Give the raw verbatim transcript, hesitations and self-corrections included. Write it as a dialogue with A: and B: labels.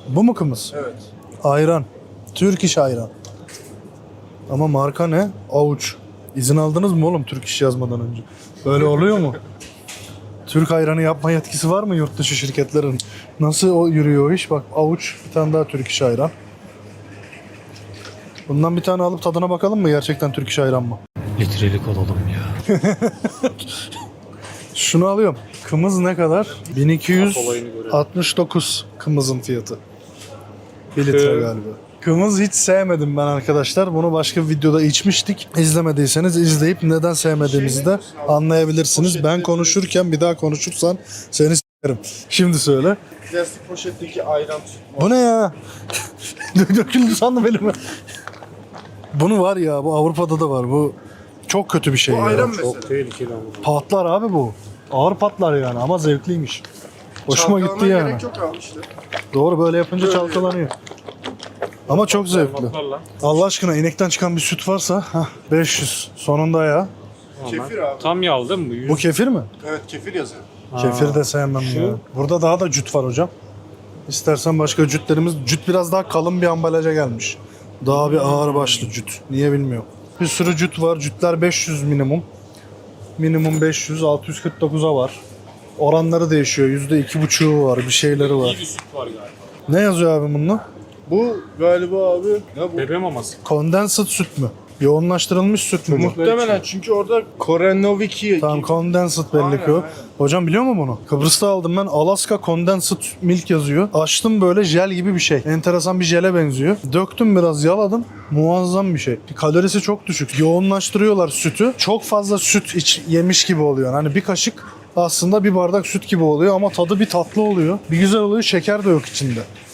A: Bu mu kımız?
B: Evet.
A: Ayran. Türk iş ayran. Ama marka ne? Avuç. İzin aldınız mı oğlum Türk iş yazmadan önce? Böyle oluyor mu? Türk ayranı yapma yetkisi var mı yurt dışı şirketlerin? Nasıl o yürüyor o iş? Bak avuç, bir tane daha Türk iş ayran. Bundan bir tane alıp tadına bakalım mı? Gerçekten Türk iş ayran mı?
C: Litrelik olalım ya.
A: Şunu alıyorum. Kımız ne kadar? bin iki yüz altmış dokuz kımızın fiyatı. bir litre galiba. Kımız hiç sevmedim ben arkadaşlar. Bunu başka bir videoda içmiştik. İzlemediyseniz izleyip neden sevmediğimizi de anlayabilirsiniz. Ben konuşurken bir daha konuşursan seni s**erim. Şimdi söyle.
B: Plastik poşetteki ayran tutma.
A: Bu ne ya? Döküldü sandım elime. Bunu var ya, bu Avrupa'da da var. Bu çok kötü bir şey
B: Bu
A: ya.
B: ayran mesela.
C: Çok tehlikeli ama.
A: Patlar abi bu. Ağır patlar yani ama zevkliymiş. Hoşuma gitti
B: Çalkalamaya
A: yani.
B: gerek yok abi işte.
A: Doğru, böyle yapınca
B: Böyle.
A: çalkalanıyor. Ama çok zevkli. Allah aşkına inekten çıkan bir süt varsa heh, beş yüz sonunda ya.
B: Kefir abi.
C: Tam yağlı değil mi bu? Yüz...
A: Bu kefir mi?
B: Evet kefir yazıyor.
A: Kefir de sevmem
C: Şu?
A: ya. Burada daha da cüt var hocam. İstersen başka cütlerimiz. Cüt biraz daha kalın bir ambalaja gelmiş. Daha bir ağır başlı cüt. Niye bilmiyorum. Bir sürü cüt var. Cütler beş yüz minimum. Minimum beş yüz, altı yüz kırk dokuza var. Oranları değişiyor. yüzde iki buçuğu var. Bir şeyleri var.
C: İyi bir süt var galiba.
A: Ne yazıyor abi bununla?
B: Bu galiba abi ne bu?
C: Bebe maması.
A: Condensed süt mü? Yoğunlaştırılmış süt mü bu?
B: Muhtemelen çünkü orada Korenoviki.
A: Tamam, condensed belli
B: Aynen,
A: ki o.
B: aynen.
A: Hocam biliyor musun bunu? Kıbrıs'ta aldım ben. Alaska condensed milk yazıyor. Açtım, böyle jel gibi bir şey. Enteresan bir jele benziyor. Döktüm, biraz yaladım. Muazzam bir şey. Kalorisi çok düşük. Yoğunlaştırıyorlar sütü. Çok fazla süt iç, yemiş gibi oluyor. Hani bir kaşık aslında bir bardak süt gibi oluyor ama tadı bir tatlı oluyor. Bir güzel oluyor. Şeker de yok içinde.